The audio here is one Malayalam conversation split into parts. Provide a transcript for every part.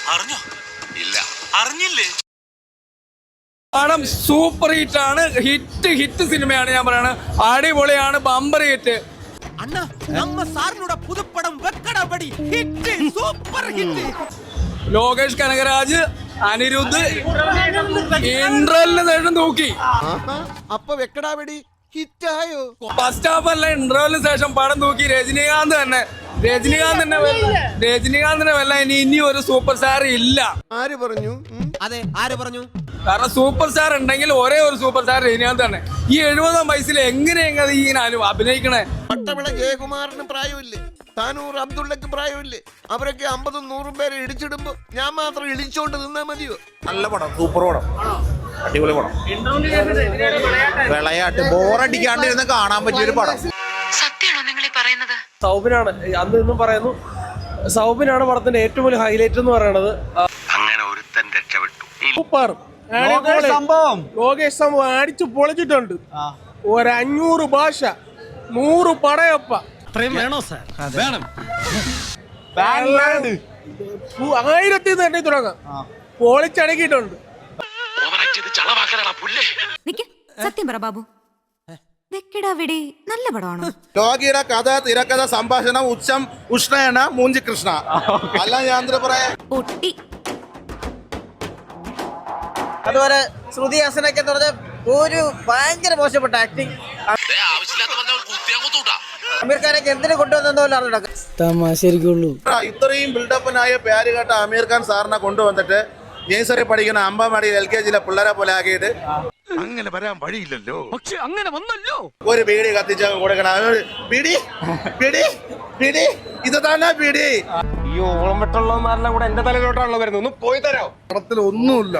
അറിഞ്ഞോ? ഇല്ല. അറിഞ്ഞില്ലേ? പടം സൂപ്പർ ഹിറ്റ് ആണ്. ഹിറ്റ് സിനിമയാണ്. ഞാൻ പറയണത് അടിപൊളിയാണ്. Bumper hit. ലോകേഷ് കനകരാജ്, അനിരുദ്ധ് ഇന്റർവെല്ലിന് ശേഷം തൂക്കി. അപ്പൊ വെക്കടാവെടി ഹിറ്റായോ? ഫസ്റ്റ് ഹാഫ് അല്ല, ഇന്റർവെല്ലിന് ശേഷം പടം തൂക്കി. രജനീകാന്തിനെ വല്ല ഇനി ഒരു സൂപ്പർ സ്റ്റാർ ഇല്ല. ആര് പറഞ്ഞു? അതെ, ആര് പറഞ്ഞു? കാരണം സൂപ്പർ സ്റ്റാർ ഉണ്ടെങ്കിൽ ഒരേ ഒരു സൂപ്പർ സ്റ്റാർ രജനീകാന്ത് തന്നെ. ഈ 70-ാം വയസ്സിൽ എങ്ങനെയെങ്ങനെ ഇങ്ങനെ അഭിനയിക്കണേ? പട്ടവിള ജയകുമാറിന് പ്രായമില്ലേ? താനൂർ അബ്ദുള്ളക്ക് പ്രായമില്ലേ? അവരൊക്കെ 50-100 പേരെ ഇടിച്ചിടുമ്പോ ഞാൻ മാത്രം ഇടിച്ചോണ്ട് നിന്നാ മതിയോ? നല്ല പടം, സൂപ്പർ പടം, അടിപൊളി പടം. വിളയാട്ട് ബോറടിക്കാണ്ടിരുന്ന് കാണാൻ പറ്റിയൊരു പടം. സത്യമാണോ നിങ്ങൾ ഈ പറയുന്നത്? സൗബിനാണ് അന്ന് ഇന്നും പറയുന്നു. സൗബിനാണ് പടത്തിന്റെ ഏറ്റവും വലിയ ഹൈലൈറ്റ് എന്ന് പറയുന്നത്. അങ്ങനെ ഒരുത്തൻ രക്ഷപ്പെട്ടു. സൂപ്പർ സംഭവം. ലോകേഷ് സംഭവം അടിച്ചു പൊളിച്ചിട്ടുണ്ട്. 500 ഭാഷ, 100 പടയപ്പ. വേണോ സാർ? വേണം. 1000 തന്നെ തുടങ്ങാം. പൊളിച്ചടക്കിയിട്ടുണ്ട്. സത്യം പറ ബാബു, വെക്കടാവിടെ നല്ല പടമാണോ? ലോകിയുടെ കഥ, തിരക്കഥ, സംഭാഷണം, ഉഷ്ണയന മൂഞ്ചി കൃഷ്ണ. അല്ല ഞാൻ പറയാ. പൊട്ടി. അതുപോലെ ശ്രുതി ഹാസനൊക്കെ എന്ന് പറഞ്ഞ ഒരു ഭയങ്കര മോശപ്പെട്ട ആക്ടിങ്. അമീർ ഖാനൊക്കെ എന്തിനു കൊണ്ടുവന്നോ തമാശരിക്കുള്ളൂ. ഇത്രയും ബിൽഡപ്പിനായ പേര് കേട്ട അമീർ ഖാൻ സാറിനെ കൊണ്ടുവന്നിട്ട് നേഴ്സറി പഠിക്കുന്ന അമ്പമാടിയിൽ LKG പിള്ളേരെ പോലെ ആക്കിയിട്ട് അങ്ങനെ വരാൻ വഴിയില്ലല്ലോ. പക്ഷെ അങ്ങനെ വന്നല്ലോ. ഒരു ബീഡി കത്തിച്ച് കൊടുക്കണം. ബീഡി ബീഡി ബീഡി ഇത് തന്നെ ബീഡി. ഈ ഓളം വെട്ടുള്ളവന്മാരെല്ലാം കൂടെ എന്റെ തലയിലോട്ടാണല്ലോ വരുന്നത്. ഒന്ന് പോയി തരാം. പടത്തിൽ ഒന്നുമില്ല.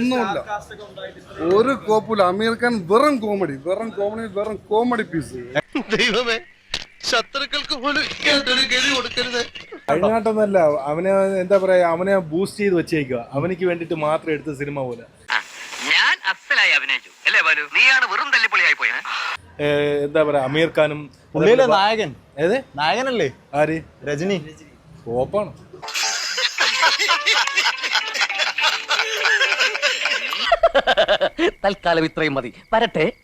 ഒരു കോപ്പില്ല. അമീർ ഖാൻ വെറും കോമഡി പീസ്. ദൈവമേ, ശത്രുക്കൾക്ക് പോലും ഗതി കൊടുക്കരുത്. അതിനായിട്ടൊന്നല്ല, അവനെ എന്താ പറയാ, അവനെ ബൂസ്റ്റ് ചെയ്ത് വെച്ചേക്കുക. അവനിക്ക് വേണ്ടിട്ട് മാത്രം എടുത്ത സിനിമ പോലെ. ഞാൻ അസലായി അഭിനയിച്ചു അല്ലേ ബാലു? നീയാണ് വെറും തല്ലിപ്പൊളിയായി പോയ. എന്താ പറയാ, അമീർ ഖാനും നായകൻ. ഏത് നായകനല്ലേ? ആര്? രജനി. കോപ്പാണ്. തൽക്കാലം ഇത്രയും മതി. വരട്ടെ.